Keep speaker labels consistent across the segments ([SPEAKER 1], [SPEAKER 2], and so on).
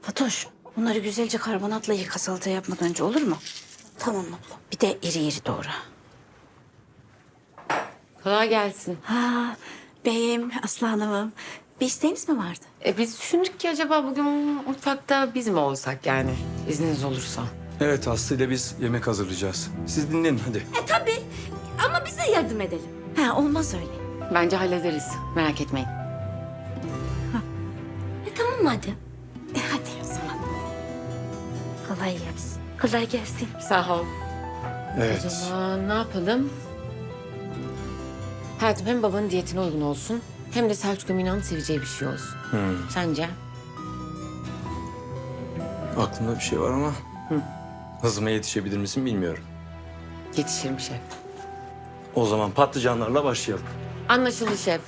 [SPEAKER 1] Fatoş, bunları güzelce karbonatla yıka salata yapmadan önce, olur mu? Tamam abla. Bir de iri iri doğra.
[SPEAKER 2] Kolay gelsin.
[SPEAKER 1] Ha, beyim, Aslı Hanım'ım. Bir isteğiniz mi vardı?
[SPEAKER 2] Biz düşündük ki acaba bugün mutfakta biz mi olsak yani? İzniniz olursa.
[SPEAKER 3] Evet, Aslı ile biz yemek hazırlayacağız. Siz dinlenin hadi.
[SPEAKER 1] Tabii. Ama biz de yardım edelim. Ha, olmaz öyle.
[SPEAKER 2] Bence hallederiz. Merak etmeyin.
[SPEAKER 1] Tamam madem. Hadi o zaman. Kolay gelsin. Kolay gelsin.
[SPEAKER 2] Sağ ol.
[SPEAKER 3] Evet.
[SPEAKER 2] O zaman ne yapalım? Hayatım hem babanın diyetine uygun olsun... hem de Selçuk'la Mina'nın seveceği bir şey olsun. Sence?
[SPEAKER 3] Aklımda bir şey var ama hızıma yetişebilir misin bilmiyorum.
[SPEAKER 2] Yetişirim şef.
[SPEAKER 3] O zaman patlıcanlarla başlayalım.
[SPEAKER 2] Anlaşıldı şef.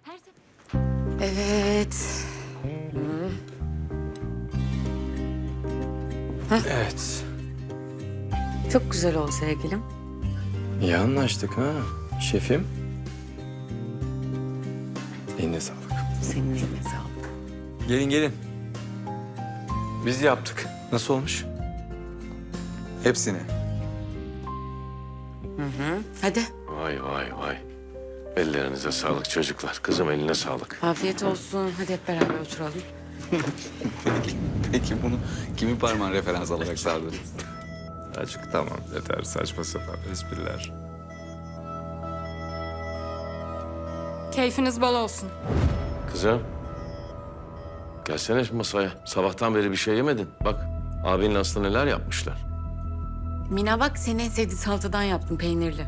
[SPEAKER 2] Evet.
[SPEAKER 3] Evet.
[SPEAKER 2] Çok güzel oldu sevgilim.
[SPEAKER 3] İyi anlaştık ha şefim. Eline sağlık.
[SPEAKER 2] Senin eline sağlık.
[SPEAKER 3] Gelin gelin. Biz yaptık. Nasıl olmuş? Hepsini.
[SPEAKER 2] Hadi.
[SPEAKER 4] Vay vay vay. Ellerinize sağlık çocuklar. Kızım eline sağlık.
[SPEAKER 2] Afiyet olsun. Hadi hep beraber oturalım.
[SPEAKER 5] Peki bunu kimin parmağını referans alarak sardınız?
[SPEAKER 3] Açık tamam yeter saçma sapan espriler.
[SPEAKER 6] Keyfiniz bol olsun.
[SPEAKER 4] Kızım. Gelsene şu masaya. Sabahtan beri bir şey yemedin. Bak abinle Aslı neler yapmışlar.
[SPEAKER 2] Mina bak senin en sevdiğin salatadan yaptım peynirli.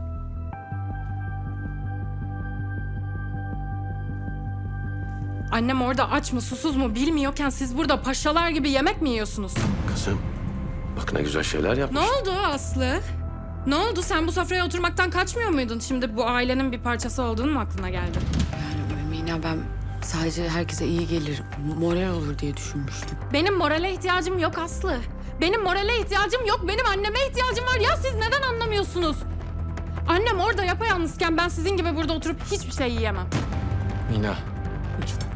[SPEAKER 6] Annem orada aç mı susuz mu bilmiyorken siz burada paşalar gibi yemek mi yiyorsunuz?
[SPEAKER 4] Kızım. Bak ne güzel şeyler
[SPEAKER 6] Ne
[SPEAKER 4] yapmış.
[SPEAKER 6] oldu Aslı? Ne oldu? Sen bu sofraya oturmaktan kaçmıyor muydun? Şimdi bu ailenin bir parçası olduğun mu aklına geldi?
[SPEAKER 2] Yani Mina ben sadece herkese iyi gelir, moral olur diye düşünmüştüm.
[SPEAKER 6] Benim morale ihtiyacım yok Aslı. Benim morale ihtiyacım yok. Benim anneme ihtiyacım var. Ya siz neden anlamıyorsunuz? Annem orada yapayalnızken ben sizin gibi burada oturup hiçbir şey yiyemem.
[SPEAKER 3] Mina lütfen.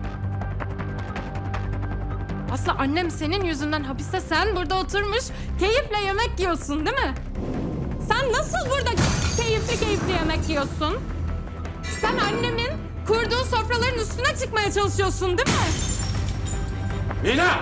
[SPEAKER 6] Aslı annem senin yüzünden hapiste, sen burada oturmuş keyifle yemek yiyorsun değil mi? Sen nasıl burada keyifli yemek yiyorsun? Sen annemin kurduğu sofraların üstüne çıkmaya çalışıyorsun değil mi?
[SPEAKER 4] Mina!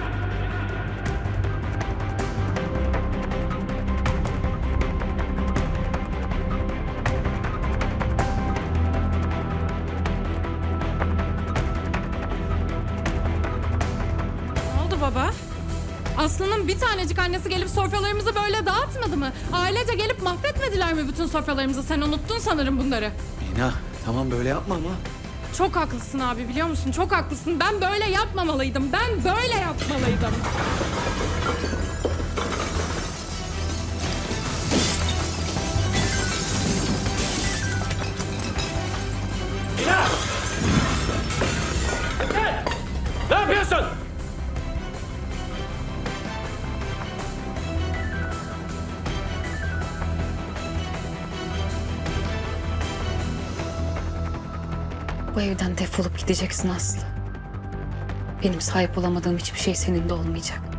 [SPEAKER 6] Ne oldu baba? Aslı'nın bir tanecik annesi gelip sofralarımızı böyle dağıtmadı mı? Ailece gelip mahvetmediler mi bütün sofralarımızı? Sen unuttun sanırım bunları.
[SPEAKER 5] Mina tamam böyle yapma ama.
[SPEAKER 6] Çok haklısın abi, biliyor musun? Çok haklısın. Ben böyle yapmamalıydım. Ben böyle yapmalıydım.
[SPEAKER 4] Ne yapıyorsun?
[SPEAKER 2] Bu evden defolup gideceksin Aslı. Benim sahip olamadığım hiçbir şey senin de olmayacak.